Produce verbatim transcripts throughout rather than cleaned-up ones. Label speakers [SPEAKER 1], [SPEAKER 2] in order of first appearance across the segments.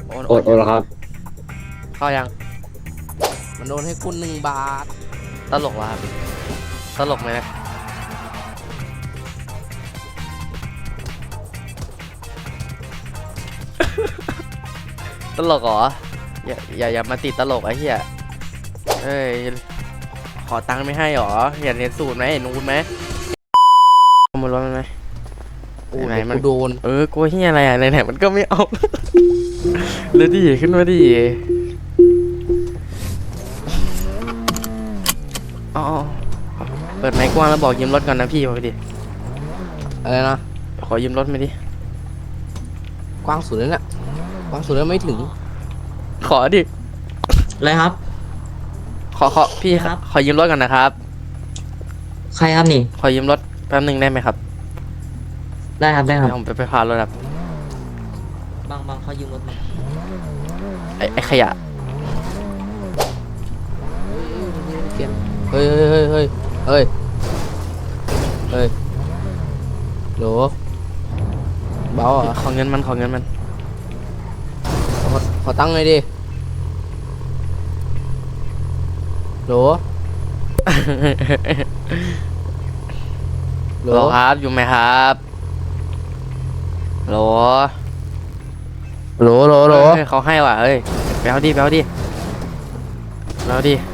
[SPEAKER 1] โอน
[SPEAKER 2] โอนโอนแล้วครับ
[SPEAKER 1] เข้ายัง
[SPEAKER 3] มันโดนให้คุณหนึ่งบาท
[SPEAKER 1] ตลกวะครับตลกไหมนะตลกเหรออย่าอย่าอย่ามาติดตลกไอ้เหี้ยเอ้ยขอตังค์ไม่ให้หรออย่าเรียนสูตรไหมเห็นนูนไหมขโมยรถมันไหม
[SPEAKER 3] โอ้
[SPEAKER 1] ไหน
[SPEAKER 3] ย
[SPEAKER 1] มัน
[SPEAKER 3] กูโดน
[SPEAKER 1] เออกูเหี้ยอะไรอ่ะไหนๆมันก็ไม่เอาเลยดิขึ้นมาดิอ๋อเปิดไมค์กว้างแล้วบอกยืมรถก่อนนะพี่มาดิ
[SPEAKER 3] อะไรนะ
[SPEAKER 1] ขอยืมรถมาดิ
[SPEAKER 3] กว้างสุดแล้วเนี่ยกว้างสุดแล้วไม่ถึง
[SPEAKER 1] ขอดิ
[SPEAKER 4] อะไรครับ
[SPEAKER 1] ขอขอพี่ครับขอยืมรถก่อนนะครับ
[SPEAKER 4] ใครครับนี่
[SPEAKER 1] ขอยืมรถแป๊บนึงได้ไหมครับ
[SPEAKER 4] ได้ครับได้ครับ
[SPEAKER 1] ผมไปไปพารถครับ
[SPEAKER 4] บางบางเขายืมรถมา
[SPEAKER 1] ไอ้ไอ้ขยะ
[SPEAKER 3] เฮ้ยเฮ้ยเฮ้ยเฮ้ยเฮ้ยโหลเบาอ่ะ
[SPEAKER 1] ขอเงินมันขอเงินมัน
[SPEAKER 3] ขอขอตั้งหน่อยดิโหล
[SPEAKER 1] โหลครับอยู่ไหมครับโหล
[SPEAKER 3] โหลโหลโหล
[SPEAKER 1] เขาให้ว่ะเฮ้ยไปเอาดิไปเอาดิไปเอาดิ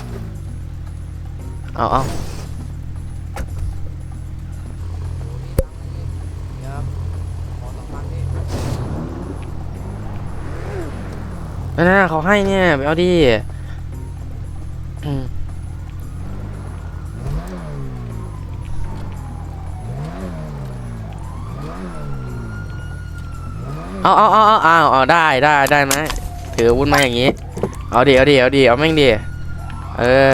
[SPEAKER 1] เอาเอานั่นน่ะเขาให้เนี่ยไปเอาดิอืมเอาเอาเอาเอาเอาเอาได้ได้ได้ไหมถืออาวุธมาอย่างงี้เอาดิเอาดิเอาดิเอาแม่งดิเออ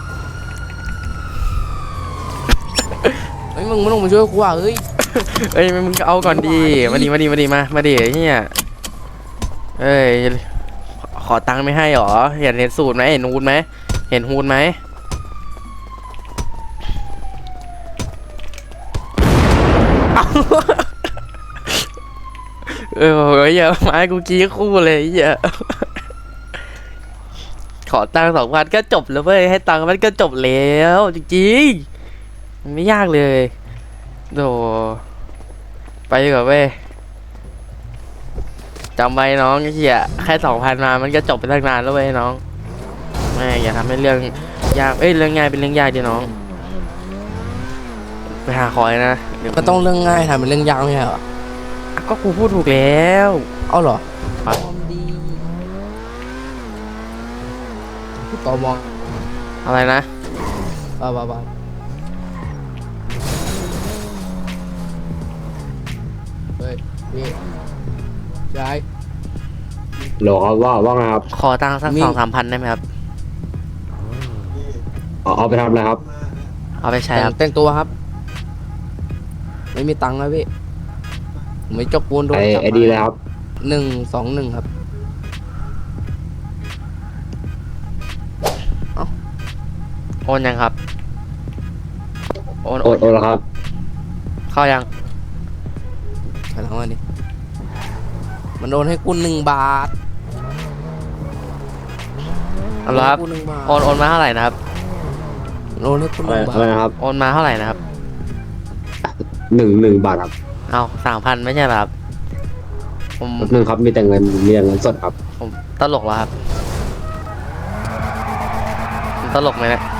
[SPEAKER 3] ไอ้มึงไม่ต้องมาช่วยกูอ่ะเฮ้ย
[SPEAKER 1] เอ้ยมึงเอาก่อนดีมาดิมาดิมาดิมามาดิเนี่ยเอ้ยขอตังค์ไม่ให้หรอเห็นเห็นสูตรไหมเห็นฮูดไหมเห็นฮูดไหมเออเฮ้ยอย่ามาให้กูกี้คู่เลยอย่าขอตังค์สองพันก็จบแล้วเว้ยให้ตังค์มันก็จบแล้วจริงๆมันไม่ยากเลยโดไปดีกว่าเว้ยจำไว้น้องเฮียแค่สองพันมามันก็จบไปตั้งนานแล้วเว้ยน้องแม่อย่าทำให้เรื่องยากเอ้ยเรื่องง่ายเป็นเรื่องยากดิน้องไปหาคอยนะ
[SPEAKER 3] มันต้องเรื่องง่ายทำเป็นเรื่องยากไม่ใช่เหรอ
[SPEAKER 1] ก็กูพูดถูกแล้ว
[SPEAKER 3] เอาเหรอต่อมอง
[SPEAKER 1] อะไรนะ
[SPEAKER 3] บ้าบ้าบ้าเฮ้ยพี่ยาย
[SPEAKER 2] หรอครับว่าว่าไงครับ
[SPEAKER 1] ขอตังค์สักสองสามพันได้ไหมครับ
[SPEAKER 2] เอาเอาไปทำอะไรครับ
[SPEAKER 1] เอาไปใช้ครับ
[SPEAKER 3] แต่งตัวครับไม่มีตังค์นะพี่ไม่จกปูนโดน
[SPEAKER 2] จับไอดีเลยครับ
[SPEAKER 3] หนึ่งสองหนึ่งครับ
[SPEAKER 1] โอนยังครับโอน
[SPEAKER 2] โอนโอนแล้วครับ
[SPEAKER 1] เข้ายัง
[SPEAKER 3] ไปทางวันนี้มันโดนให้คุณหนึ่งบาท
[SPEAKER 1] เอาละครับโอนโอนมาเท่าไหร่นะครับ
[SPEAKER 3] โอนให้คุณหนึ่งบาท
[SPEAKER 2] นะครับ
[SPEAKER 1] โอนมาเท่าไหร่นะครับ
[SPEAKER 2] หนึ่งหนึ่งบาทครับ
[SPEAKER 1] เอาสามพันไม่ใช่หรอครับผม
[SPEAKER 2] หนึ่งครับมีแต่เงินมีแต่เงินสดครับ
[SPEAKER 1] ผมตลกเหรอครับตลกไหมเนี่ย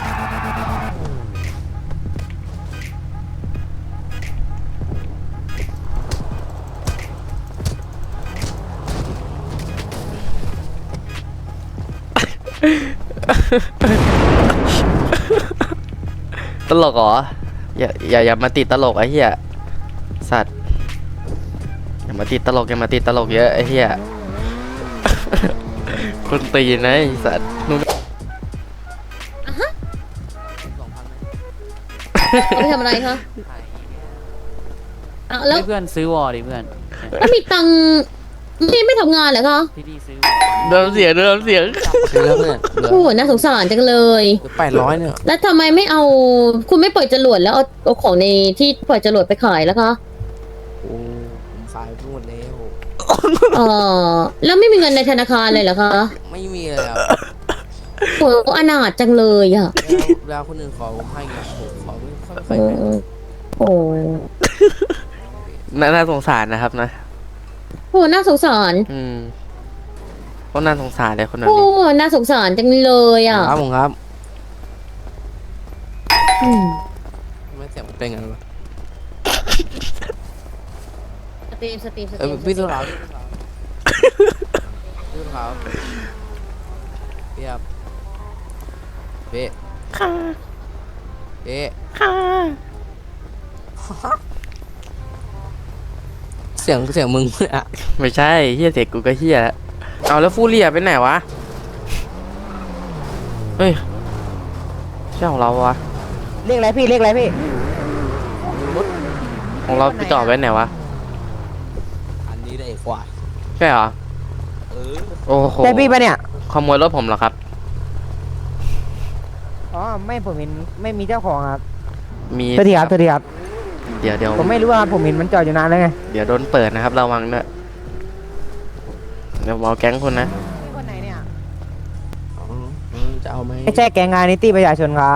[SPEAKER 1] ตลกเหรออย่าอย่าอย่ามาติดตลกไอ้เหี้ยสัตว์อย่ามาติดตลกอย่ามาติดตลกเยอะไอ้เหี้ยคนตีนะไอ้สัตว์นู่น
[SPEAKER 5] เอาไปทำอะไรคะอ่ะแล้ว
[SPEAKER 6] เพื่อนซื้อวอลดิเพื่อน
[SPEAKER 5] แล้วมีตังค์ไม่ไม่ทำงานเหรอคะ
[SPEAKER 6] พี่ดีซื้อ
[SPEAKER 1] เดิมเสียงเดิมเสียง
[SPEAKER 3] คือแล้วเนี่ย
[SPEAKER 5] โอ้โหน่าสงสารจังเลย
[SPEAKER 3] แปดร้อยเนี่ย
[SPEAKER 5] แล้วทำไมไม่เอาคุณไม่ปล่อยจรวดแล้วเอาเอาของในที่ปล่อยจรวดไปขายแล้วคะ
[SPEAKER 3] โอ้ผมขายไปหมดแล้ว
[SPEAKER 5] เออแล้วไม่มีเงินในธนาคารเลยเหรอคะ
[SPEAKER 3] ไม่มีเลยครับ
[SPEAKER 5] โอ้อนาถจังเลยอ่ะ
[SPEAKER 3] เวลาคนอื่นขอผมให้ไงผมขอไม่ค่อย
[SPEAKER 5] โอ้
[SPEAKER 3] ค่อยให้
[SPEAKER 5] โอ้
[SPEAKER 1] น่าน่าสงสารนะครับนะ
[SPEAKER 5] โหน่าสงสาร
[SPEAKER 1] อืมก็น่าสงสารเลยคนนั้น
[SPEAKER 5] โอ้
[SPEAKER 1] นี่
[SPEAKER 5] น่าสงสารจังเลยอ่ะ
[SPEAKER 3] ครับผมครับ
[SPEAKER 5] อืม
[SPEAKER 3] ไม่เสียงมันเป็นไงวะ
[SPEAKER 5] สตรีมสตรีมสต
[SPEAKER 3] เออ
[SPEAKER 5] รีม
[SPEAKER 3] พี่สุดขาวพี่สุดขาวพี่ครับพี่
[SPEAKER 1] ค่ะ
[SPEAKER 3] พี่
[SPEAKER 1] ค่ะ
[SPEAKER 3] เสียงเสียงมึงอ่ะ
[SPEAKER 1] ไม่ใช่เฮียเด็กกูก็เฮียแล้วเอาแล้วฟูเรียไปไหนวะเฮ้ยใช่ของเราวะ
[SPEAKER 6] เรียกอะไรพี่เรียกอะไรพี่
[SPEAKER 1] ของเราไปจอดไว้ไหนวะ
[SPEAKER 3] อันนี้ได้กว่า
[SPEAKER 1] ใช่เหรอ
[SPEAKER 3] เออ
[SPEAKER 1] โอ้โห
[SPEAKER 6] ใช่พี่ปะเนี่ย
[SPEAKER 1] ขโมยรถผมเหรอครับ
[SPEAKER 6] อ๋อไม่ผมเห็นไม่มีเจ้าของครับ
[SPEAKER 1] มี
[SPEAKER 6] โทษทีครับโทษทีครับ
[SPEAKER 1] เดี๋ยวเดี๋ยว
[SPEAKER 6] ผมไม่รู้ว่าผมเห็นมันจอดอยู่นานแล้วไง
[SPEAKER 1] เดี๋ยวโดนเปิดนะครับระวังด้วยเดี๋ยวผมเอาแก๊งคุณนะ
[SPEAKER 6] คนไหนเนี่ย
[SPEAKER 3] อ๋อเออจะเอาไหม
[SPEAKER 6] ไม่ใช่แกงงานนิตี้ประชาชนครับ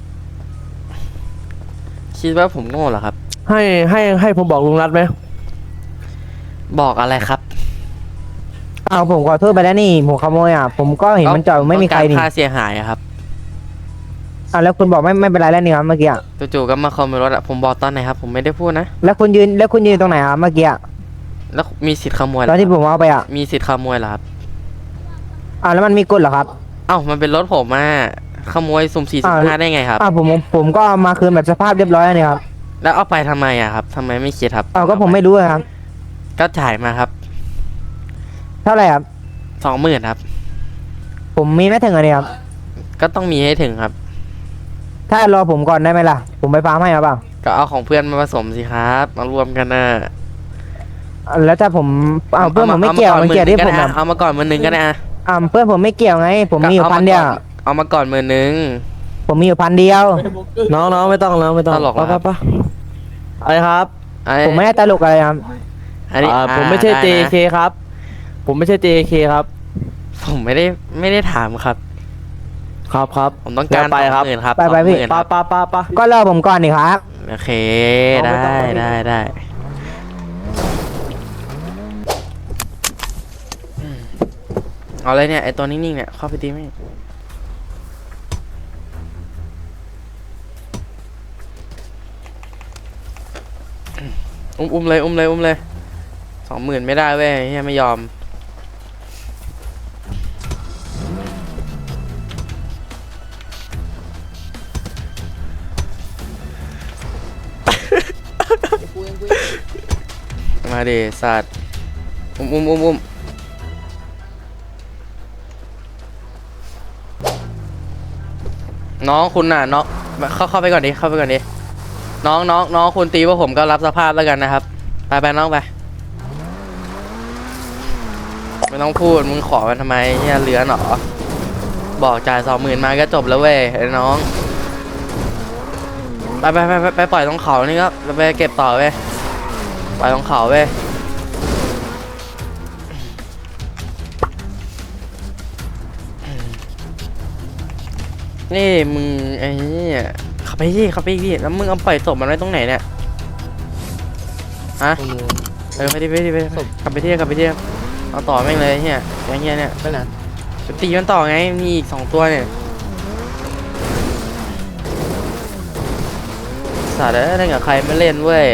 [SPEAKER 1] คิดว่าผมโง่เหรอครับ
[SPEAKER 7] ให้ให้ให้ผมบอกลุงรัฐไหม
[SPEAKER 1] บอกอะไรครับ
[SPEAKER 6] อ้าวผมขอโทษไปแล้วนี่ผมขโมยอ่ะผมก็เห็นมันจอดไม่มีใคร
[SPEAKER 1] ต้อง
[SPEAKER 6] นี่
[SPEAKER 1] กาค่าเสียหายอะครับ
[SPEAKER 6] อ้าวแล้วคุณบอกไม่ไม่เป็นไรแล้วนี่ครับเมื่อกี้อะ
[SPEAKER 1] จู่ๆก็มาขโมยรถอะผมบอกตอนไหนครับ ผมไม่ได้พูดนะ
[SPEAKER 6] แล้วคุณยืนแล้วคุณยืนตรงไหนครับเมื่อกี้อะ
[SPEAKER 1] แล้วมีสิทธิ์ขโมยเหร
[SPEAKER 6] ตอ
[SPEAKER 1] อน
[SPEAKER 6] ที่ผมเอาไปอ่ะ
[SPEAKER 1] มีสิทธิ์ขโมยเหรอครับ
[SPEAKER 6] อ้าวแล้วมันมีกฎเหรอครับ
[SPEAKER 1] เอ้ามันเป็นรถผมอะขโมยสุ่มสี่สุ่มห้าได้ไงครับ
[SPEAKER 6] อ้าวผมผมก็เอามาคืนแบบสภาพเรียบร้อยแล้วนี่ครับ
[SPEAKER 1] แล้วเอาไปทำไมอะครับทำไมไม่คิดครับ
[SPEAKER 6] อ้าวก็ผมไม่รู้อะครับ
[SPEAKER 1] ก็จ่ายมาครับ
[SPEAKER 6] เท่าไหร่ครับ
[SPEAKER 1] สองหมื่นครับ
[SPEAKER 6] ผมมีไม่ถึงอันนี้ครับ
[SPEAKER 1] ก็ต้องมีให้ถึงครับ
[SPEAKER 6] ถ้ารอผมก่อนได้ไหมล่ะผมไปฟาร์มให้ครับเปล่า
[SPEAKER 1] ก็เอาของเพื่อนมาผสมสิครับมารวมกันนะ
[SPEAKER 6] แล้วถ้าผมอ้าวเพื่อนผมไม่เกี่ยวมันเกี่ยวที่ผม
[SPEAKER 1] อะ
[SPEAKER 6] อะ
[SPEAKER 1] เอามาก่อนหมือนึงก็ได้อะ
[SPEAKER 6] อ่าเพื่อนผมไม่เกี่ยวไง ผมมีอยู่พันเดียว
[SPEAKER 1] เอามาก่อนหมือนึง
[SPEAKER 6] ผมมีอยู่พันเดียว
[SPEAKER 7] น้องน้องไม่ต้องแล้วไม่ต้อง
[SPEAKER 1] ตลกเหรอ
[SPEAKER 7] ปะปะอะไรครับ
[SPEAKER 1] ไอ้
[SPEAKER 6] ผมไม่ได้ตลกอะไรครับ
[SPEAKER 1] อันนี้
[SPEAKER 7] อ่า
[SPEAKER 1] อ่า
[SPEAKER 7] ผมไม่ใช่
[SPEAKER 1] ด้นะ
[SPEAKER 7] เจ เค ครับ ผมไม่ใช่ เจ เค ครับ
[SPEAKER 1] ผมไม่ได้ไม่ได้ถามครับ
[SPEAKER 7] ครับครับ
[SPEAKER 1] ผมต้องการ
[SPEAKER 7] เดี๋ยวไปครับ
[SPEAKER 1] หมื่นครับ
[SPEAKER 6] ไปไปพี่
[SPEAKER 1] สองหมื่น
[SPEAKER 7] ปะ
[SPEAKER 1] ครับ
[SPEAKER 7] ปะปะปะ
[SPEAKER 6] ก็รอผมก่อนนี่ครับ
[SPEAKER 1] โอเค
[SPEAKER 7] เอา
[SPEAKER 1] ได้
[SPEAKER 7] ไม่ต้อง
[SPEAKER 1] ได้ได้อืมเอาเลยเนี่ยไอตัวนิ่งๆเนี่ยเข้าไปตีไหมอุ้มอุ้มเลยอุ้มเลยอุ้มเลยสองหมื่นไม่ได้เว้ยเฮียไม่ยอม มาดิสัตว์อุ้มอุ้มอุ้มอุ้มน้องคุณน่ะน้องเข้าเข้าไปก่อนดิเข้าไปก่อนดิน้องน้องน้องคุณตีว่าผมก็รับสภาพแล้วกันนะครับไปไปน้องไปไม่ต้องพูดมึงขอมันทำไมเฮียเหลือหนอบอกจ่ายสองหมื่นมาก็จบแล้วเว้ยไอ้น้องไปไปไปไปไปปล่อยตรงเขานี่ก็ไปเก็บต่อเว้ยปล่อยตรงเขาเว้ยนี่มึงไอ้เนี่ยขับไปดิขับไปดิแล้วมึงเอาปล่อยศพมันไว้ตรงไหนเนี่ยฮะ
[SPEAKER 3] ตรงนู้น
[SPEAKER 1] เออไปดิไปดิไปดิขับไปที่ขับไปที่เอาต่อแม่งเลยเฮียแกงเฮียเนี่ย
[SPEAKER 3] ไปไหน
[SPEAKER 1] จะตีมันต่อไงมีอีกสองตัวเนี่ยสัตว์เอ้ยเล่นกับใครไม่เล่นเว้ย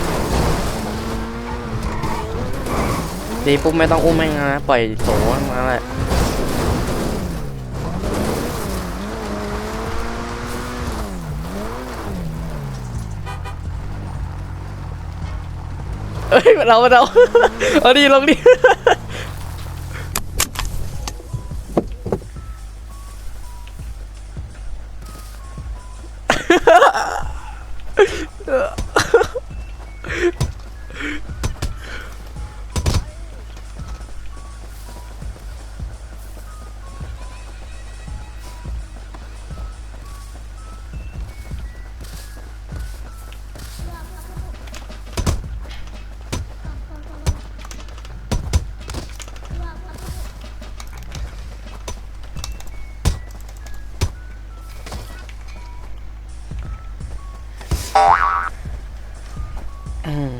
[SPEAKER 1] ตีปุ๊บไม่ต้องอุ้มแม่งนะปล่อยโสมาแหละเอ้ยเราเราเอาดีลงดิอืม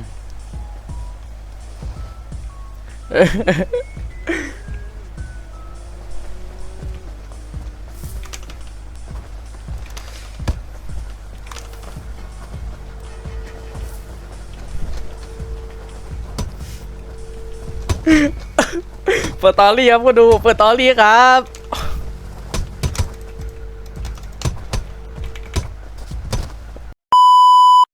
[SPEAKER 1] เปิดตอรี่ครับก็ดู เปิดตอรี่ครับ